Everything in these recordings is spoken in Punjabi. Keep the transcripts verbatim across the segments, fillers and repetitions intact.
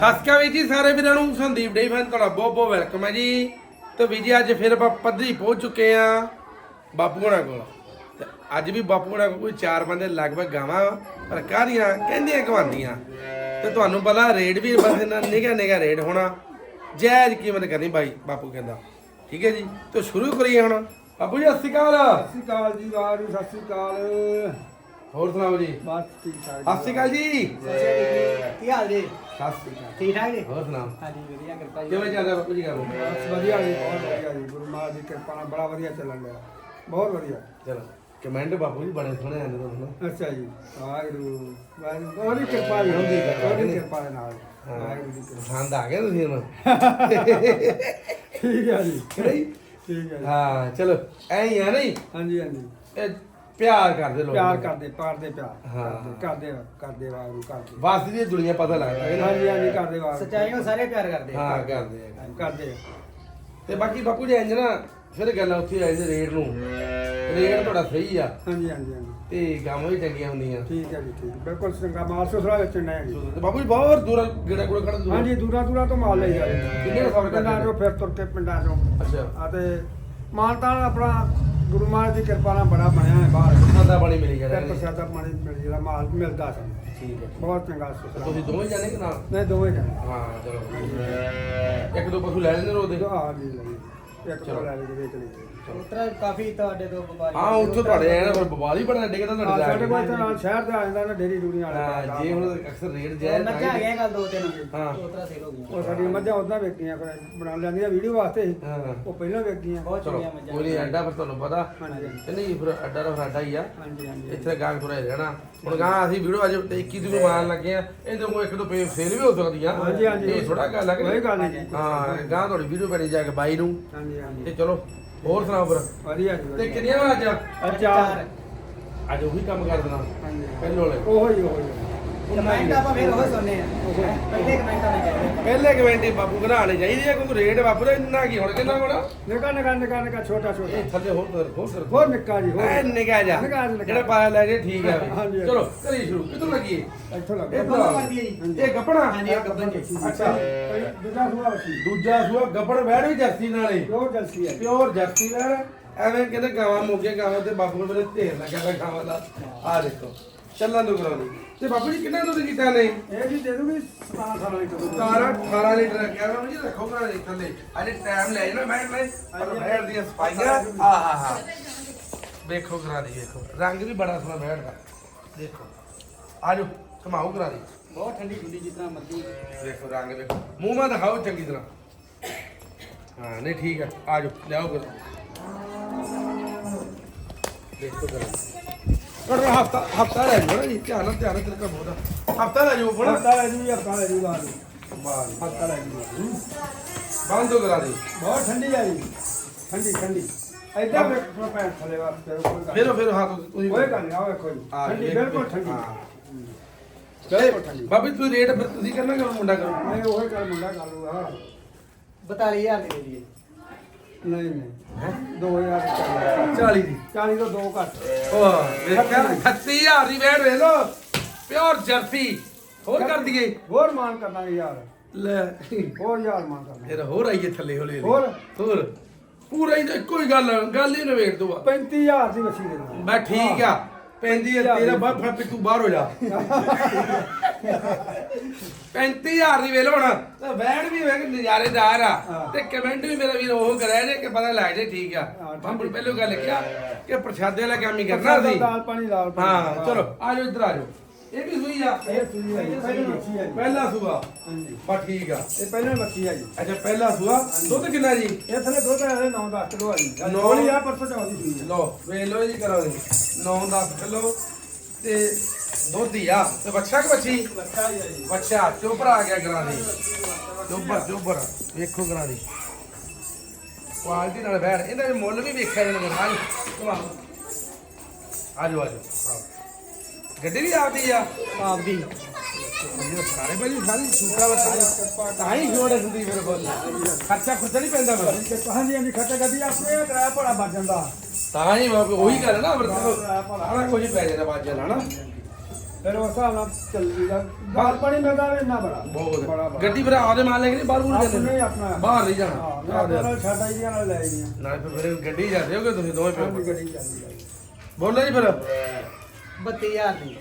ਸਸਕਾ ਵੀ ਜੀ ਸਾਰੇ ਵੀਰਾਂ ਨੂੰ ਸੰਦੀਪ ਡੇਰੀ ਫਾਰਮ ਤੁਹਾਡਾ ਬਹੁਤ ਬਹੁਤ ਵੈਲਕਮ ਹੈ ਜੀ। ਤੇ ਵੀ ਜੀ ਅੱਜ ਫਿਰ ਆਪਾਂ ਪੱਧਰੀ ਪਹੁੰਚ ਚੁੱਕੇ ਆ ਬਾਪੂ ਹੋਣਾ ਕੋਲ। ਤੇ ਅੱਜ ਵੀ ਬਾਪੂ ਹੋਣਾ ਕੋਲ ਕੋਈ ਚਾਰ ਬੰਦੇ ਲਗਭਗ ਗਾਵਾਂ ਪਰ ਕਾਹਦੀਆਂ ਕਹਿੰਦੀਆਂ ਕਵਾਉਂਦੀਆਂ। ਤੇ ਤੁਹਾਨੂੰ ਪਤਾ ਰੇਟ ਵੀ ਬਸ ਇਹਨਾਂ ਨਿਗਾ ਨਿਗਾ ਰੇਟ ਹੋਣਾ, ਜਾਇਜ਼ ਕੀਮਤ ਕਰਨੀ ਬਾਈ ਬਾਪੂ ਕਹਿੰਦਾ। ਠੀਕ ਹੈ ਜੀ, ਤੇ ਸ਼ੁਰੂ ਕਰੀਏ ਹੁਣ। ਬਾਪੂ ਜੀ ਸਤਿ ਸ਼੍ਰੀ ਅਕਾਲ। ਸਤਿ ਸ਼੍ਰੀ ਅਕਾਲ ਜੀ, ਵਾਹਿਗੁਰੂ ਸਤਿ ਸ਼੍ਰੀ ਅਕਾਲ। ਹੋਰ ਸੁਣਾਓ ਜੀ? ਬਸ ਠੀਕ ਠਾਕ। ਸਤਿ ਸ਼੍ਰੀ ਅਕਾਲ ਜੀ। ਕੀ ਹਾਲ ਜੀ? ਸਤਿ ਸ਼੍ਰੀ ਅਕਾਲ। ਠੀਕ ਠਾਕ ਜੀ? ਹੋਰ ਸੁਣਾਓ? ਹਾਂਜੀ ਵਧੀਆ ਕਿਰਪਾ ਜੀ। ਕਿਵੇਂ ਚੱਲ ਰਿਹਾ ਬਾਪੂ ਜੀ ਕੰਮ? ਬਸ ਵਧੀਆ ਜੀ, ਬਹੁਤ ਵਧੀਆ ਜੀ। ਗੁਰੂ ਮਹਾਰਾਜ ਦੀ ਕਿਰਪਾ ਨਾਲ ਬੜਾ ਵਧੀਆ ਚੱਲਣ ਡਿਆ, ਬਹੁਤ ਵਧੀਆ। ਚਲੋ ਕਮੈਂਟ ਬਾਪੂ ਜੀ ਬੜੇ ਸੋਹਣੇ ਆਉਂਦੇ ਤੁਹਾਨੂੰ। ਅੱਛਾ ਜੀ, ਵਾਹਿਗੁਰੂ ਵਾਹਿਗੁਰੂ ਉਹਦੀ ਕਿਰਪਾ ਜੀ ਹੁੰਦੀ ਹੈ, ਉਹਦੀ ਕਿਰਪਾ ਦੇ ਨਾਲ। ਵਾਹਿਗੁਰੂ ਦੀ ਕਿਰਪਾ। ਪਸੰਦ ਆ ਗਿਆ ਤੁਸੀਂ ਹੁਣ? ਠੀਕ ਹੈ ਜੀ, ਨਹੀਂ ਠੀਕ ਹੈ ਜੀ। ਹਾਂ ਚਲੋ ਐਂ ਹੀ ਆ ਨਹੀਂ, ਹਾਂਜੀ ਹਾਂਜੀ, ਇਹ ਪਿਆਰ ਕਰਦੇ ਲੋਕ, ਪਿਆਰ ਕਰਦੇ, ਪਾਰਦੇ ਪਿਆਰ ਹਾਂ। ਕਰਦੇ ਕਰਦੇ ਵਾਹਿਗੁਰੂ ਕਰਦੇ। ਬਸ ਦੀ ਦੁਨੀਆ ਪਤਾ ਲੱਗਦਾ ਹੈ ਨਾ। ਹਾਂਜੀ ਹਾਂਜੀ, ਕਰਦੇ ਵਾਹਿਗੁਰੂ। ਸੱਚਾਈ ਨੂੰ ਸਾਰੇ ਪਿਆਰ ਕਰਦੇ ਆ। ਹਾਂ ਕਰਦੇ ਆ। ਕਰਦੇ। ਤੇ ਬਾਕੀ ਬਾਪੂ ਜੀ ਇੰਜ ਨਾ ਫਿਰ ਗੱਲ ਉੱਥੇ ਆਈ ਸੀ ਰੇਟ ਨੂੰ। ਰੇਟ ਤੁਹਾਡਾ ਸਹੀ ਆ ਹਾਂਜੀ ਹਾਂਜੀ ਹਾਂਜੀ, ਤੇ ਗਾਵਾਂ ਵੀ ਚੰਗੀਆਂ ਹੁੰਦੀਆਂ। ਠੀਕ ਹੈ ਜੀ, ਠੀਕ ਬਿਲਕੁਲ ਚੰਗਾ ਮਾਲ ਸੁਸਰਾ ਵੇਚਣ ਡਿਆ ਜੀ। ਤੇ ਬਾਪੂ ਜੀ ਬਹੁਤ ਦੂਰ ਗੇੜਾ ਗੂੜਾ ਕੱਢ ਦੂਰ। ਹਾਂਜੀ, ਦੂਰਾਂ ਦੂਰਾਂ ਤੋਂ ਮਾਲ ਲਈ ਜਾਂਦੇ। ਕਿੰਨੇ ਸਫ਼ਰ ਕਰਦੇ ਪਿੰਡਾਂ ਚੋਂ ਫਿਰ ਤੁਰ ਕੇ ਪਿੰਡਾਂ ਚੋਂ। ਅੱਛਾ, ਆ ਤੇ ਮਾਨਤਾਨ ਆਪਣਾ ਗੁਰੂ ਮਹਾਰਾਜ ਦੀ ਕਿਰਪਾ ਨਾਲ ਬੜਾ ਬਣਿਆ ਹੈ ਬਾਹਰ। ਸਾਦਾ ਪਾਣੀ ਮਿਲ ਗਿਆ ਫਿਰ ਪ੍ਰਸ਼ਾਦਾ ਪਾਣੀ ਮਿਲ ਜਿਹੜਾ ਮਾਲ ਮਿਲਦਾ ਸਾਨੂੰ। ਠੀਕ ਹੈ। ਬਹੁਤ ਚੰਗਾ ਸੁਸਰਾ। ਤੁਸੀਂ ਦੋਵੇਂ ਜਾਣੇ ਕਿ ਨਾਲ? ਨਹੀਂ ਦੋਵੇਂ ਜਾਣੇ। ਹਾਂ ਚਲੋ, ਇੱਕ ਦੋ ਪਸ਼ੂ ਲੈ ਲੈਂਦੇ ਰੋਦੇ। ਹਾਂ ਜੀ, ਲਈ ਇੱਕ ਤੋਂ ਲੈ ਕੇ ਵੇਚ ਲਈ। ਉਤਰਾ ਕਾਫੀ ਤੁਹਾਡੇ ਤੋਂ ਵਪਾਰੀ ਹਾਂ ਉੱਥੋਂ ਤੁਹਾਡੇ ਆਏ ਨਾ ਫਿਰ ਬਵਾਲ ਹੀ ਬੜਾ ਡਿੱਗਦਾ ਹਾਂ, ਤੁਹਾਡੇ ਸਾਡੇ ਕੋਲ ਇੱਥੇ ਨਾਲ ਸ਼ਹਿਰ ਤੇ ਆ ਜਾਂਦਾ ਨਾ ਡੇਰੀ ਡੂਰੀ ਵਾਲੇ। ਹਾਂ ਜੇ ਹੁਣ ਅਕਸਰ ਰੇਟ ਜਾਇਜ਼ ਮੱਝਾਂ ਆ ਗਈਆਂ ਕੱਲ ਦੋ ਤਿੰਨ। ਹਾਂ। ਉਤਰਾ ਸੇਲ ਹੋ ਗਈਆਂ। ਉਹ ਸਾਡੀਆਂ ਮੱਝਾਂ ਉਦਾਂ ਵੇਚੀਆਂ ਫਿਰ ਬਣਾ ਲੈਂਦੀਆਂ ਵੀਡੀਓ ਵਾਸਤੇ। ਹਾਂ ਉਹ ਪਹਿਲਾਂ ਵੇਚੀਆਂ। ਬਹੁਤ ਚਲੋ ਚੰਗੀਆਂ ਮੱਝਾਂ। ਕੋਈ ਨਹੀਂ, ਅੱਡਾ ਫਿਰ ਤੁਹਾਨੂੰ ਪਤਾ ਹਾਂਜੀ ਤੇ ਨਹੀਂ ਫਿਰ ਅੱਡਾ ਦਾ ਫਿਰ ਅੱਡਾ ਹੀ ਆ। ਹਾਂਜੀ ਹਾਂਜੀ, ਇੱਥੇ ਗਾਹਕ ਥੋੜਾ ਰਹਿਣਾ। ਹੁਣ ਗਾਂ ਅਸੀਂ ਵੀਡੀਓ ਅੱਜ ਇੱਕੀ ਨੂੰ ਮਾਰਨ ਲੱਗੇ ਆ, ਇਹਦੇ ਕੋਲ ਇੱਕ ਦੋ ਪੇ ਸੇਲ ਵੀ ਹੋ ਸਕਦੀ ਆ। ਹਾਂਜੀ ਹਾਂਜੀ, ਇਹ ਥੋੜਾ ਗੱਲ ਆ ਕਿ ਕੋਈ ਗੱਲ ਨਹੀਂ। ਹਾਂ ਗਾਂ ਤੁਹਾਡੀ ਵੀਡੀਓ ਬਣੀ ਜਾ ਕੇ ਬਾਈ ਨੂੰ। ਹਾਂਜੀ ਹਾਂਜੀ, ਤੇ ਚਲੋ ਹੋਰ ਸੁਣਾਓ ਫਿਰ? ਵਧੀਆ ਜੀ ਤੇ ਵਧੀਆ। ਕਿੰਨੀਆਂ ਵਾ ਅੱਜ? ਚਾਰ। ਅੱਜ ਉਹੀ ਕੰਮ ਕਰ ਦੇਣਾ ਹਾਂਜੀ, ਪਹਿਲੋਂ ਵਾਲੇ। ਉਹੀ ਉਹੀ। ਕਮੈਂਟ ਆਪਾਂ ਫਿਰ ਉਹ ਸੁਣਨੇ ਆ। ਪਹਿਲੇ ਕਮੈਂਟਾਂ ਵਿੱਚ ਕਹਿੰਦੇ ਪਹਿਲੇ ਕਮੈਂਟੀ ਬਾਪੂ ਘਰਾਣੇ ਚਾਹੀਦੀ ਆ ਕਿਉਂਕਿ ਰੇਟ ਬਾਪੂ ਦਾ ਇੰਨਾ ਕੀ ਹੁਣ ਕਿੰਨਾ ਕੋਣਾ ਨਿਕਾ ਨਿਕਾ ਨਿਕਾ ਨਿਕਾ ਛੋਟਾ ਛੋਟਾ। ਇਹ ਥੱਲੇ ਹੋਰ ਕਰ ਹੋਰ ਕਰ ਹੋਰ ਨਿੱਕਾ ਜੀ, ਹੋਰ ਐ ਨਿਕਾ ਜਾ ਨਿੱਕਾ ਜਿਹਾ। ਜਿਹੜਾ ਪਾਇਆ ਲੈ ਜੇ ਠੀਕ ਆ ਵੀ। ਹਾਂਜੀ। ਚਲੋ ਕਰੀ ਸ਼ੁਰੂ ਕਿੱਥੋਂ ਲੱਗੀ? ਇੱਥੋਂ ਲੱਗ ਇਹ ਦੋਨੋਂ ਕਰਦੀ ਹੈ ਜੀ। ਇਹ ਗੱਪਣਾ? ਹਾਂਜੀ, ਇਹ ਗੱਭਣ ਜੀ। ਅੱਛਾ, ਦੂਜਾ ਸੂਆ ਵਸੀ ਦੂਜਾ ਸੂਆ ਗੱਪਣ ਬੈਠ ਵੀ ਜਰਸੀ ਨਾਲੇ ਪਿਓਰ ਜਲਸੀ ਹੈ। ਪਿਓਰ ਜਰਸੀ ਨਾਲ। ਐਵੇਂ ਕਹਿੰਦੇ ਗਾਵਾਂ ਮੋਗੇ ਗਾਵਾਂ ਤੇ ਬਾਪੂ ਮੇਰੇ ਢੇਰ ਲੱਗਿਆ ਪਿਆ ਗਾਵਾਂ ਦਾ। ਆ ਦੇਖੋ ਚੱਲਣ ਨੂੰ ਕਰਾਉਣੀ। ਤੇ ਬਾਪੂ ਜੀ ਕਿੰਨਾ ਦੁੱਧ ਕੀਤਾ ਨੇ? ਇਹ ਜੀ ਦੇ ਦੂਗੀ ਸਤਾਰਾਂ ਅਠਾਰਾਂ ਲੀਟਰ ਦੁੱਧ। ਸਤਾਰਾਂ ਅਠਾਰਾਂ ਲੀਟਰ ਰੱਖਿਆ ਵਾ ਜੀ। ਰੱਖੋ ਘਰਾਂ ਦੇ ਥੱਲੇ ਅਜੇ ਟਾਈਮ ਲੈ ਜਾਣਾ ਬੈਠ ਲੈ ਪਰ ਬੈਠ ਦੀਆਂ ਸਫਾਈਆਂ। ਆ ਹਾ ਹਾ ਵੇਖੋ ਕਰਾ ਦੀ, ਵੇਖੋ ਰੰਗ ਵੀ ਬੜਾ ਸੋਹਣਾ ਬੈਠਦਾ। ਦੇਖੋ ਆਜੋ ਘਮਾਓ ਕਰਾ ਦੀ। ਬਹੁਤ ਠੰਡੀ ਠੰਡੀ ਜਿੱਦਾਂ ਮਰਜ਼ੀ। ਵੇਖੋ ਰੰਗ ਵੇਖੋ, ਮੂੰਹ ਮਾ ਦਿਖਾਓ ਚੰਗੀ ਤਰ੍ਹਾਂ। ਹਾਂ ਨਹੀਂ ਠੀਕ ਆ, ਆਜੋ ਲਿਆਓ ਕਰ ਦੇਖੋ ਕਰਾ। ਪਰ ਹਫਤਾ ਹਫਤਾ ਲੈ ਜਾਓ ਨਾ ਜੀ, ਧਿਆਨ ਨਾਲ ਧਿਆਨ ਨਾਲ ਤੇਰੇ ਕੰਮ ਉਹਦਾ ਹਫਤਾ ਲੈ ਜਾਓ ਬਣਾ। ਹਫਤਾ ਲੈ ਜੂਗੀ, ਹਫਤਾ ਲੈ ਜੂਗਾ। ਬਾਹਰ ਹਫਤਾ ਲੈ ਜੂਗਾ। ਬੰਦ ਕਰਾ ਦੇ। ਬਹੁਤ ਠੰਡੀ ਆ ਜੀ, ਠੰਡੀ ਠੰਡੀ। ਐਦਾਂ ਵੇਖੋ ਪੈਣ ਥਲੇ ਵਾਸਤੇ ਕੋਈ ਗੱਲ ਫੇਰੋ ਫੇਰੋ ਹੱਥ ਤੁਸੀਂ ਕੋਈ ਗੱਲ ਨਹੀਂ। ਆ ਵੇਖੋ ਜੀ, ਹਾਂ, ਠੰਡੀ ਵੇਖ- ਬਿਲਕੁਲ ਠੰਡੀ। ਹਾਂ। ਬਿਲਕੁਲ ਠੰਡੀ। ਬਾਬੀ ਤੂੰ ਰੇਟ ਫਿਰ ਤੁਸੀਂ ਕਰਨਾ ਕਿ ਮੁੰਡਾ ਕਰੋ? ਨਹੀਂ ਉਹੀ ਗੱਲ ਮੁੰਡਾ ਕਰ ਲੂਗਾ। ਬਤਾਲੀ ਹਜ਼ਾਰ ਦੇ ਦੇ। ਨਹੀਂ ਨਹੀਂ, ਦੋ ਹਜ਼ਾਰ ਚਾਲੀ। ਚਾਲੀ ਦੀ। ਚਾਲੀ ਤੋਂ ਦੋ ਘੱਟ। ਉਹ ਵੇਖਿਆ ਅਠੱਤੀ ਹਜ਼ਾਰ ਦੀ ਬੈਠ ਵੇਖ ਲੋ ਪਿਓਰ ਜਰਸੀ। ਹੋਰ ਕਰ ਦਈਏ? ਹੋਰ ਮਾਨ ਕਰਨਾ ਯਾਰ, ਲੈ ਹੋਰ ਯਾਰ ਮਾਨ ਕਰਨਾ। ਫਿਰ ਹੋਰ ਆਈਏ ਥੱਲੇ ਹੌਲੀ ਹੌਲੀ। ਹੋਰ? ਹੋਰ ਪੂਰਾ ਹੀ ਤਾਂ ਇੱਕੋ ਹੀ ਗੱਲ ਗੱਲ ਹੀ ਨਵੇੜ ਦੋ। ਪੈਂਤੀ ਹਜ਼ਾਰ ਦੀ ਵਸੀ ਦੇਣਾ। ਮੈਂ ਠੀਕ ਆ ਪੈਂਦੀ ਆ ਤੇਰਾ ਬਾਪ ਫੜ ਤੂੰ ਬਾਹਰ ਹੋ ਜਾ। ਪੈਂਤੀ ਹਜ਼ਾਰ ਦੀ ਵੇਲ ਹੋਣਾ ਤੇ ਵੈਣ ਵੀ ਵੇਖ ਨਜ਼ਾਰੇਦਾਰ ਆ। ਤੇ ਕਮੈਂਟ ਵੀ ਮੇਰਾ ਵੀਰ ਉਹ ਕਰਿਆ ਜੇ ਕਿ ਪਤਾ ਲੱਗ ਜੇ ਠੀਕ ਆ। ਬਾਪੂ ਨੇ ਪਹਿਲੋਂ ਗੱਲ ਕਿਹਾ ਕਿ ਪ੍ਰਸ਼ਾਦੇ ਵਾਲਾ ਕੰਮ ਹੀ ਕਰਨਾ ਸੀ। ਦਾਲ ਪਾਣੀ ਲਾਲ ਪਾਣੀ। ਹਾਂ ਚਲੋ ਆ ਜਾਓ ਇੱਧਰ ਆ ਜਾਓ। ਇਹ ਵੀ ਸੂਈ ਆ? ਇਹ ਸੂਈ ਹੈ ਜੀ, ਪਹਿਲੀ ਮੱਛੀ ਹੈ ਜੀ। ਪਹਿਲਾ ਸੂਆ? ਹਾਂਜੀ, ਬਾ ਠੀਕ ਆ। ਇਹ ਪਹਿਲਾਂ ਮੱਛੀ ਹੈ ਜੀ। ਅੱਛਾ ਪਹਿਲਾ ਸੂਆ। ਦੁੱਧ ਕਿੰਨਾ ਜੀ? ਇਹ ਥਲੇ ਦੁੱਧ ਹੈ ਨੌ ਦਸ ਕਿਲੋ ਆ ਜੀ। ਨੌ- ਨੌਲੀ ਆ ਪਰਸੋਂ ਚੌਥੀ ਸੂਈ ਹੈ। ਲੋ ਵੇਖ ਲੋ ਜੀ ਕਰੋ ਜੀ ਨੌ ਦਸ ਕਿਲੋ ਤੇ ਦੁੱਧ ਹੀ ਆ। ਤੇ ਬੱਚਾ ਕਿ ਬੱਚੀ? ਬੱਚਾ ਹੀ ਹੈ ਜੀ। ਬੱਚਾ ਚੋਬਰ ਆ ਗਿਆ ਗਰਾਂ ਦੀ। ਚੋਬਰ ਚੋਬਰ ਵੇਖੋ ਗਰਾਂ ਦੀ ਕੁਆਲਿਟੀ ਨਾਲ ਬੈਠ। ਇਹਦਾ ਵੀ ਮੁੱਲ ਵੀ ਵੇਖਿਆ ਜਾਣਾ। ਆਜੋ ਆਜੋ ਆਜੋ ਆਓ। ਗੱਡੀ ਵੀ ਆਪਦੀ ਆ? ਆਪਦੀ। ਇਹ ਸਾਰੇ ਭਾਜੀ ਸਾਰੀ ਸੂਟਾ ਵਾ ਸਾਰੇ ਤਾਂ ਹੀ ਛੋੜੇ ਹੁੰਦੀ ਮੇਰੇ ਕੋਲ। ਖਰਚਾ ਖੁਰਚਾ ਨਹੀਂ ਪੈਂਦਾ ਫਿਰ? ਹਾਂਜੀ ਹਾਂਜੀ, ਖਰਚਾ ਗੱਡੀ ਆਪਣੇ ਕਿਰਾਇਆ ਭਾੜਾ ਬਚ ਜਾਂਦਾ। ਤਾਂ ਹੀ ਬਾਬੇ ਉਹੀ ਗੱਲ ਹੈ ਨਾ ਫਿਰ ਸਾਰਾ ਕੁਝ ਪੈ ਜਾਂਦਾ ਬਾਜਾ ਨਾਲ ਨਾ। ਫਿਰ ਉਸ ਹਿਸਾਬ ਨਾਲ ਚੱਲੀ ਦਾ ਬਾਹਰ ਪਾਣੀ ਮਿਲਦਾ ਵੀ ਇੰਨਾ ਬੜਾ ਬਹੁਤ ਬੜਾ ਬੜਾ ਗੱਡੀ ਫਿਰ ਆਦੇ ਮਾਲ ਲੈ ਕੇ ਨਹੀਂ ਬਾਹਰ ਬੂਰ ਆਪਣੇ ਜਾਂਦੇ ਆਪਣਾ ਬਾਹਰ ਨਹੀਂ ਹਾਂ ਜਾਣਾ ਮੈਂ ਨਾਲ ਛੱਡ ਆਈ ਦੀਆਂ ਨਾਲ ਲੈ ਆਈਆਂ ਨਾਲ ਫਿਰ ਫਿਰ ਗੱਡੀ ਜਾਂਦੇ ਹੋਗੇ ਤੁਸੀਂ ਦੋਵੇਂ ਆਪਣੀ ਪਿਓ ਗੱਡੀ ਚੱਲਦੀ ਆ ਬੋਲੋ ਜੀ ਫਿਰ ਬੱਤੀ ਹਜ਼ਾਰ ਦੀ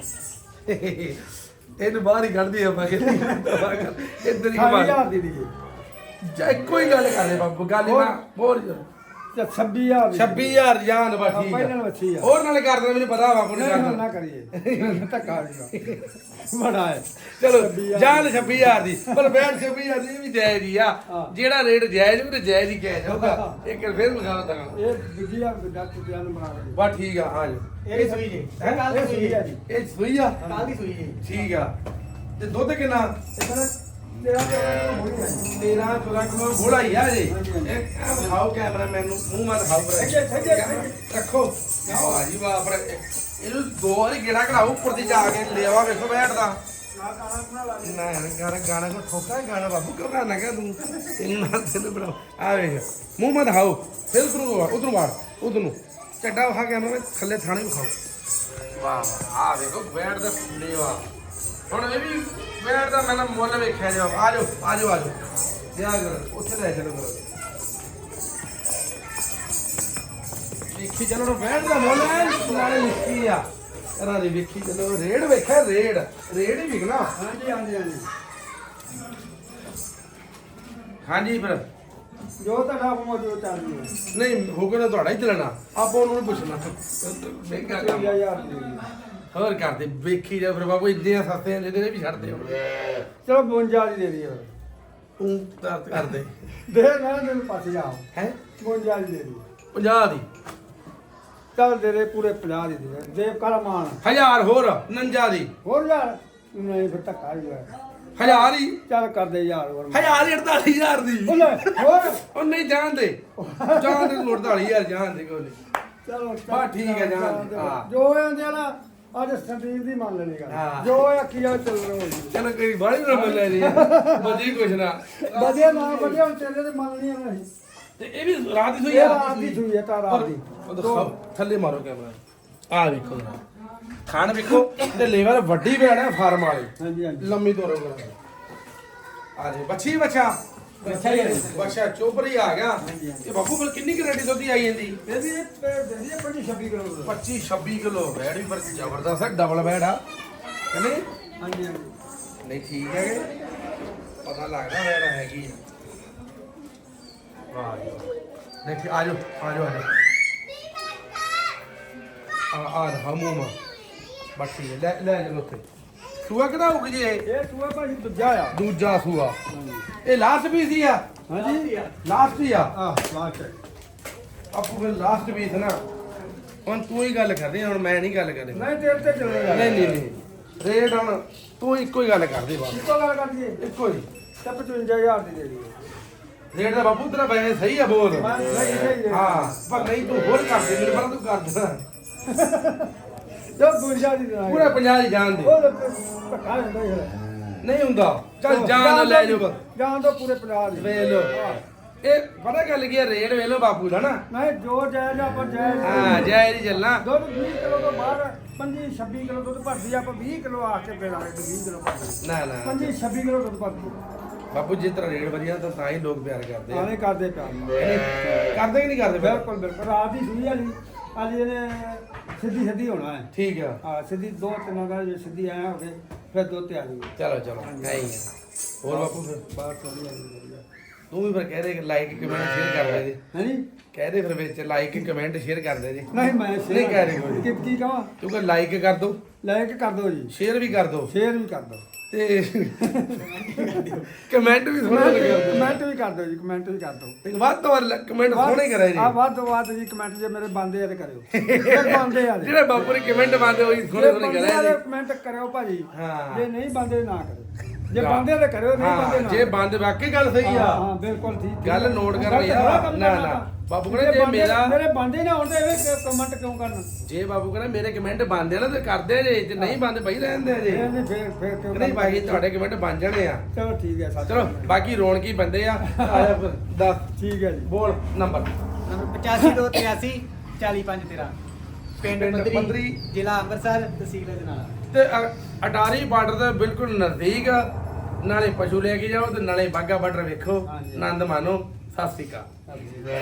ਇਹਨੂੰ ਬਾਹਰ ਹੀ ਕੱਢਦੀ ਆਪਾਂ ਕਿ ਇੱਧਰ ਹੀ ਅਠਾਈ ਕਮਾ ਹਜ਼ਾਰ ਦੀ ਦੀ ਜਾ ਇੱਕੋ ਹੀ ਗੱਲ ਕਰਦੇ ਬਾਬੂ ਗੱਲ ਹੀ ਨਾ ਬੋਲ ਤੇ ਛੱਬੀ ਹਜ਼ਾਰ ਦੀ ਛੱਬੀ ਹਜ਼ਾਰ ਜਾਨ ਬਾ ਠੀਕ ਪਹਿਲਾਂ ਆ ਵੱਛੀ ਆ ਹੋਰ ਨਾਲੇ ਕਰ ਦੇਣਾ ਮੈਨੂੰ ਪਤਾ ਬਾਪੂ ਨੇ ਨਹੀਂ ਕਰ ਹੁਣ ਦੇਣਾ ਨਾ ਕਰੀਏ ਧੱਕਾ ਨਹੀਂ ਬੜਾ ਹੈ ਚਲੋ ਛੱਬੀ ਹਜ਼ਾਰ ਜਾਨ ਛੱਬੀ ਹਜ਼ਾਰ ਦੀ ਪਰ ਬੈਠ ਛੱਬੀ ਹਜ਼ਾਰ ਦੀ ਇਹ ਵੀ ਜਾਇਜ਼ ਹੀ ਆ ਹਾਂ। ਜਿਹੜਾ ਰੇਟ ਜਾਇਜ਼ ਉਹ ਤੇ ਜਾਇਜ਼ ਹੀ ਕਿਹਾ ਜਾਊਗਾ ਇੱਕ ਵਾਰ ਫੇਰ ਲਗਾ ਤਾ ਇਹ ਵਿਗਿਆ ਡਾਕਟਰ ਜਾਨ ਬਣਾ ਕੇ ਬਾ ਠੀਕ ਆ ਹਾਂ ਜੀ ਇਹ ਸੂਈ ਜੀ ਹੈਂ? ਕੱਲ ਦੀ ਸੂਈ ਹੈ ਜੀ ਇਹ ਸੂਈ ਆ ਕੱਲ ਦੀ ਸੂਈ ਜੀ ਠੀਕ ਆ ਤੇ ਦੁੱਧ ਕਿੰਨਾ ਇਹ ਤੇਰਾ ਤੇਰਾ ਹੋਈ ਹੈ ਤੇਰਾਂ ਚੌਦਾਂ ਕਿਲੋ ਘੋੜਾ ਹੀ ਆ ਜੀ ਹਾਂਜੀ, ਹਾਂਜੀ। ਇਹ ਦਿਖਾਓ ਕੈਮਰਾ ਮੈਨੂੰ ਮੂੰਹ ਮਾ ਦਿਖਾਓ ਪਰ ਅੱਗੇ, ਅੱਗੇ, ਅੱਗੇ। ਰੱਖੋ ਵਾਹ ਜੀ ਵਾਹ ਪਰ ਇਹਨੂੰ ਦੋ ਵਾਰੀ ਗੇੜਾ ਕਢਾਓ ਉੱਪਰ ਦੀ ਜਾ ਕੇ ਲਿਆਵਾ ਵੇਖੋ ਬੈਠਦਾ ਨਾ ਕਾਣਾ ਬਣਾ ਲਾ ਨਾ ਯਾਰ ਗਾਣਾ ਗਾਣਾ ਕੋ ਠੋਕਾ ਹੈ ਗਾਣਾ ਬਾਬੂ ਕਿਉਂ ਗਾਣਾ ਕਹ ਤੂੰ ਤੈਨੂੰ ਨਾਲ ਤੈਨੂੰ ਬਣਾਓ ਆ ਵੇਖ ਮੂੰਹ ਮਾ ਦਿਖਾਓ ਫਿਰ ਉਧਰੋਂ ਉਧਰੋਂ ਮਾਰ ਉਧਰ ਨੂੰ ਚੱਡਾ ਵਹਾ ਕੈਮਰਾ ਵਿੱਚ ਥੱਲੇ ਥਾਣੇ ਵਿਖਾਓ ਵਾਹ ਵਾਹ ਆ ਵੇਖੋ ਬੈਠ ਦਾ ਲੇਵਾ ਹੁਣ ਇਹ ਵੀ ਬੈਠ ਦਾ ਮੈਂ ਨਾ ਮੁੱਲ ਵੇਖਿਆ ਜਾ ਆ ਜਾਓ ਆ ਜਾਓ ਆ ਜਾਓ ਜਾ ਕਰੋ ਉੱਥੇ ਲੈ ਚਲੋ ਕਰੋ ਵੇਖੀ ਚਲੋ ਨਾ ਬੈਠ ਦਾ ਮੁੱਲ ਹੈ ਨਾਲੇ ਲਿਖੀ ਆ ਇਹਨਾਂ ਦੀ ਵੇਖੀ ਚਲੋ ਰੇਡ ਵੇਖਿਆ ਰੇਡ ਰੇਡ ਹੀ ਵਿਕਣਾ ਹਾਂਜੀ ਹਾਂਜੀ ਹਾਂਜੀ ਹਾਂਜੀ ਫਿਰ ਜੋ ਤੁਹਾਡਾ ਹੁਕਮ ਜੋ ਚੱਲਦੀ ਹੈ ਨਹੀਂ ਹੁਕਮ ਤਾਂ ਤੁਹਾਡਾ ਹੀ ਚੱਲਣਾ ਆਪਾਂ ਉਹਨੂੰ ਨੀ ਪੁੱਛਣਾ ਮਹਿੰਗਾ ਕੰਮ ਚੌਵੀ ਹਜ਼ਾਰ ਦੀ ਹੋਰ ਕਰਦੇ ਵੇਖੀ ਜਾ ਫਿਰ ਬਾਬੂ ਇੰਨੀਆਂ ਸਸਤੀਆਂ ਦੇ ਦੇ ਵੀ ਛੱਡਦੇ ਹੁਣ ਚਲੋ ਬਵੰਜਾ ਦੀ ਦੇ ਦਈਏ ਫਿਰ ਤੂੰ ਦਰਦ ਕਰਦੇ ਦੇ ਨਾ ਮੈਨੂੰ ਪਾਸੇ ਜਾਓ ਹੈ ਬਵੰਜਾ ਦੀ ਦੇ ਦਈਏ ਪੰਜਾਹ ਦੀ ਚੱਲ ਦੇ ਦੇ ਪੂਰੇ ਪੰਜਾਹ ਦੀ ਦੇ ਦੇਵ ਕਾਲਾ ਮਾਨ ਹਜ਼ਾਰ ਹੋਰ ਉਣੰਜਾ ਦੀ ਹੋਰ ਯਾਰ ਨਹੀਂ ਫਿਰ ਧੱਕਾ ਹੀ ਹੋਇਆ ਹਜ਼ਾਰ ਹੀ ਚੱਲ ਕਰ ਦੇ ਯਾਰ ਹੋਰ ਹਜ਼ਾਰ ਹੀ ਅੜਤਾਲੀ ਹਜ਼ਾਰ ਦੀ ਉਹ ਲੈ, ਹੋਰ ਉਹ ਨਹੀਂ ਜਾਣਦੇ ਜਾਣਦੇ ਤੂੰ ਅੜਤਾਲੀ ਹਜ਼ਾਰ ਜਾਣਦੇ ਕੋਈ ਨਹੀਂ ਚਲੋ ਬਸ ਠੀਕ ਹੈ, ਜਾਣ ਦੇ। ਹਾਂ। ਜੋ ਆਂਦੇ ਆ ਨਾ ਅੱਜ ਸੰਦੀਪ ਦੀ ਮੰਨ ਲੈਣੀ ਗੱਲ ਹਾਂ। ਜੋ ਆਖੀ ਜਾ ਚੱਲ ਰਹੋ ਜੀ ਚਲੋ ਕੋਈ ਬਾੜੀ ਨਾ ਮੰਨ ਜੀ ਬਜੀ ਕੁਛ ਨਾ ਵਧੀਆ ਨਾ ਵਧੀਆ ਹੁਣ ਤੇਰੇ ਤੇ ਮੰਨ ਨਹੀਂ ਆਉਣਾ ਸੀ ਤੇ ਇਹ ਵੀ ਰਾਤ ਦੀ ਸੋਈ ਇਹ ਆ ਰਾਤ ਦੀ ਸੂਈ ਹੈ ਤਾਂ ਰਾਤ ਦੀ ਉਹ ਦਿਖਾਓ, ਥੱਲੇ ਮਾਰੋ ਕੈਮਰਾ ਆ ਵੇਖੋ ਜਰਾ ਖਾਣ ਵੇਖੋ ਤੇ ਲੇਵਰ ਵੱਡੀ ਭੈਣ ਹੈ ਫਾਰਮ ਵਾਲੀ ਹਾਂਜੀ ਹਾਂਜੀ ਲੰਮੀ ਤੋਰੋ ਕਰੋ ਆ ਜੀ ਬੱਚੀ ਬੱਚਾ ਬੱਚਾ ਹੀ ਹੈ ਜੀ। ਬੱਚਾ ਚੋਪਰੀ ਆ ਗਿਆ ਹਾਂਜੀ, ਹਾਂਜੀ। ਇਹ ਬਾਪੂ ਕੋਲ ਕਿੰਨੀ ਗਰੰਟੀ ਦੁੱਧ ਦੀ ਆਈ ਜਾਂਦੀ ਇਹਦੀ ਇਹਦੀ ਪੰਜੀ ਛੱਬੀ ਕਿਲੋ ਦੁੱਧ। ਪੱਚੀ ਛੱਬੀ ਕਿਲੋ ਬੈੜ ਵੀ ਪਰ ਜ਼ਬਰਦਸਤ ਹੈ ਡਬਲ ਬੈੜ ਆ ਕਹਿੰਦੇ ਹਾਂਜੀ ਹਾਂਜੀ ਨਹੀਂ ਠੀਕ ਹੈਗੇ ਪਤਾ ਲੱਗਦਾ ਬੈੜ ਹੈਗੀ ਆ ਵਾਹ ਜੀ ਵਾਹ। ਦੇਖੀ ਆ ਜਾਓ ਆ ਜਾਓ ਆ ਜਾਓ ਆ ਆ ਹਮੂਮਾ ਬਾਕੀ ਲੈ ਲੈ ਚਲੋ ਉੱਥੇ ਸੂਆ ਕਿਹਦਾ ਹੋਊਗੀ ਜੀ ਇਹ ਇਹ ਸੂਆ ਭਾਜੀ ਦੂਜਾ ਆ ਦੂਜਾ ਸੂਆ ਹਾਂਜੀ ਇਹ ਲਾਸਟ ਪੀਸ ਹੀ ਆ ਹਾਂਜੀ ਲਾਸਟ ਹੀ ਆ ਆਹ ਲਾਸਟ ਆਪੂ ਫਿਰ ਲਾਸਟ ਪੀਸ ਨਾ ਹੁਣ ਤੂੰ ਹੀ ਗੱਲ ਕਰਦੀ ਹੁਣ ਮੈਂ ਨਹੀਂ ਗੱਲ ਕਰਨੀ ਨਹੀਂ ਤੇਰੇ ਤੇ ਚੱਲੇਗਾ ਨਹੀਂ ਨਹੀਂ ਨਹੀਂ ਰੇਟ ਹੁਣ ਤੂੰ ਇੱਕੋ ਹੀ ਗੱਲ ਕਰਦੀ ਬਸ ਇੱਕੋ ਗੱਲ ਕਰ ਦਈਏ ਇੱਕੋ ਹੀ ਤੇ ਪਚਵੰਜਾ ਹਜ਼ਾਰ ਦੀ ਦੇ ਦਈਏ ਰੇਟ ਦਾ ਬਾਪੂ ਤੇਰਾ ਪੈਸੇ ਸਹੀ ਆ ਬੋਲ ਮੈਂ ਨਹੀਂ ਸਹੀ ਦੇ ਹਾਂ ਪਰ ਨਹੀਂ ਤੂੰ ਹੋਰ ਕਰ ਦੇ ਮੇਰੇ ਪਰ ਤੂੰ ਕਰ ਦੇ ਜੋ ਬਵੰਜਾ ਦੀ ਦੇਣਾ ਪੂਰਾ ਪੰਜਾਹ ਦੀ ਜਾਣ ਦੇ ਉਹ ਧੱਕਾ ਹੁੰਦਾ ਯਾਰ ਨਹੀਂ ਹੁੰਦਾ ਚੱਲ ਜਾਣ ਲੈ ਜਾਓ ਜਾਣ ਤੋਂ ਪੂਰੇ ਪੰਜਾਹ ਦੀ ਵੇਖ ਲਓ ਇਹ ਪਤਾ ਗੱਲ ਕੀ ਆ ਰੇਟ ਵੇਖ ਲਓ ਬਾਪੂ ਦਾ ਨਾ ਨਹੀਂ ਜੋ ਜਾਇਜ਼ ਆਪਾਂ ਜਾਇਜ਼ ਹਾਂ ਜੈ ਜੀ ਚੱਲਣਾ ਦੁੱਧ ਵੀਹ ਕਿਲੋ ਤੋਂ ਬਾਹਰ ਪੰਜੀ ਛੱਬੀ ਕਿਲੋ ਦੁੱਧ ਭਰਦੀ ਆ, ਆਪਾਂ ਵੀਹ ਕਿਲੋ ਆ ਕੇ ਪੇਲਾਂਗੇ ਤੇ ਵੀਹ ਕਿਲੋ ਭਰਦੀ ਨਾ ਨਾ ਪੰਜੀ ਛੱਬੀ ਕਿਲੋ ਦੁੱਧ ਭਰਦੀ ਬਾਪੂ ਜਿਸ ਤਰ੍ਹਾਂ ਰੇਟ ਵਧੀਆ ਤਾਂ ਤਾਂ ਹੀ ਲੋਕ ਪਿਆਰ ਕਰਦੇ ਆ ਆਵੇਂ ਕਰਦੇ ਪਿਆਰ ਨਾਲ। ਇਹਨੇ- ਕਰਦੇ ਕਿ ਨਹੀਂ ਕਰਦੇ ਫਿਰ? ਬਿਲਕੁਲ ਬਿਲਕੁਲ ਰਾਤ ਦੀ ਸੂਈ ਵਾਲੀ ਅੱਜ ਇਹਨੇ ਸਿੱਧੀ ਸਿੱਧੀ ਹੋਣਾ ਹੈ ਠੀਕ ਆ ਹਾਂ ਸਿੱਧੀ ਦੋ ਤਿੰਨ ਦਾ ਜੇ ਸਿੱਧੀ ਆਇਆ ਹੋਵੇ ਫਿਰ ਦੋ ਤੇ ਆ ਜਾਊਗੀ ਚਲੋ ਚਲੋ ਨਹੀਂ ਆ ਹੋਰ ਬਾਪੂ ਫਿਰ ਬਾਹਰ ਚਲੀ ਜਾਂਦੀ ਤੂੰ ਵੀ ਫਿਰ ਕਹਿ ਦੇ ਲਾਈਕ ਕਮੈਂਟ ਸ਼ੇਅਰ ਕਰ ਦੇ ਜੀ ਹਾਂਜੀ ਕਹਿ ਦੇ ਫਿਰ ਵਿੱਚ ਲਾਈਕ ਕਮੈਂਟ ਸ਼ੇਅਰ ਕਰ ਦੇ ਜੀ ਨਹੀਂ ਮੈਂ ਨਹੀਂ ਕਹਿ ਰਹੀ ਕੋਈ। ਕਿ ਕੀ ਕਹਾਂ ਤੂੰ ਕਹ ਲਾਈਕ ਕਰ ਦੋ ਲਾਈਕ ਕਰ ਦਿਓ ਜੀ ਸ਼ੇਅਰ ਵੀ ਕਰ ਦੋ ਸ਼ੇਅਰ ਵੀ ਕਰ ਦਿਓ ਤੇ ਕਮੈਂਟ ਵੀ ਥੋੜਾ ਕਰ ਦੋ ਕਮੈਂਟ ਵੀ ਕਰ ਦਿਓ ਜੀ ਕਮੈਂਟ ਵੀ ਕਰ ਦਿਓ ਤੇ ਵੱਧ ਤੋਂ ਵੱਧ ਕਮੈਂਟ ਸੋਹਣੇ ਕਰਾਏ ਜੀ ਆ ਵੱਧ ਤੋਂ ਵੱਧ ਜੀ ਕਮੈਂਟ ਜੇ ਮੇਰੇ ਬੰਦੇ ਆ ਤੇ ਕਰਿਓ ਇਹ ਬੰਦੇ ਆ ਜਿਹੜੇ ਬਾਪੂ ਨੇ ਕਮੈਂਟ ਪਾਉਂਦੇ ਉਹੀ ਸੋਹਣੇ ਸੋਹਣੇ ਕਰਾਏ ਜੀ ਕਮੈਂਟ ਕਰਿਓ ਭਾਜੀ ਹਾਂ। ਜੇ ਨਹੀਂ ਬੰਦੇ ਨਾ ਕਰਿਓ ਜੇ ਬੰਦੇ ਤੇ ਕਰਿਓ ਨਹੀਂ ਬੰਦੇ ਹਾਂ ਨਾ ਜੇ ਬੰਦ ਵਾਕਈ ਗੱਲ ਸਹੀ ਹਾਂ, ਆ ਹਾਂ ਬਿਲਕੁਲ ਠੀਕ ਗੱਲ note ਕਰ ਲਈ ਆ। ਬੜਾ ਕੰਮ ਨਾ, ਕਰਨਾ। ਨਾ। ਬਾਪੂ ਜੇ ਕਹਿੰਦੇ ਜੇ ਬੰਦੇ- ਮੇਰਾ- ਮੇਰੇ ਬੰਦੇ ਨਾ ਹੁੰਦੇ ਇਹ ਕਮੈਂਟ ਕਿਉਂ ਕਰਨਾ ਜੇ ਬਾਬੂ ਕਹਿੰਦਾ ਮੇਰੇ ਕਮੈਂਟ ਬੰਦ ਆ ਨਾ ਤੇ ਕਰਦੇ ਜੇ ਜੇ ਨਹੀਂ ਬੰਦ ਬਈ ਰਹਿੰਦੇ ਜੇ ਇਹ ਨਹੀਂ ਫੇਰ ਫੇਰ ਕਿਉਂ ਨਹੀਂ ਭਾਈ ਤੁਹਾਡੇ ਕਮੈਂਟ ਬਣ ਜਾਣੇ ਆ ਚਲੋ ਠੀਕ ਹੈ ਸੱਚ ਚਲੋ ਬਾਕੀ ਰੌਣਕੀ ਬੰਦੇ ਆ ਆਇਆ ਫਿਰ ਦੱਸ ਠੀਕ ਹੈ ਜੀ ਬੋਲ ਨੰਬਰ ਨੰਬਰ ਪਚਾਸੀ ਦੋ ਤਿਰਾਸੀ ਚਾਲੀ ਪੰਜ ਤੇਰਾਂ ਪਿੰਡ ਪਿੰਡ ਪੰਦਰੀ ਪੰਦਰੀ, ਜ਼ਿਲ੍ਹਾ ਅੰਮ੍ਰਿਤਸਰ ਤਹਿਸੀਲ ਅਜਨਾਲਾ ਤੇ ਅ- ਅਟਾਰੀ ਬਾਰਡਰ ਦੇ ਬਿਲਕੁਲ ਨਜ਼ਦੀਕ ਆ। ਨਾਲੇ ਪਸ਼ੂ ਲੈ ਕੇ ਜਾਓ ਤੇ ਨਾਲੇ ਬਾਗਾ ਬਾਰਡਰ ਵੇਖੋ, ਹਾਂਜੀ। ਆਨੰਦ ਮਾਣੋ। ਸਤਿ ਸ਼੍ਰੀ ਅਕਾਲ। ਹਾਂਜੀ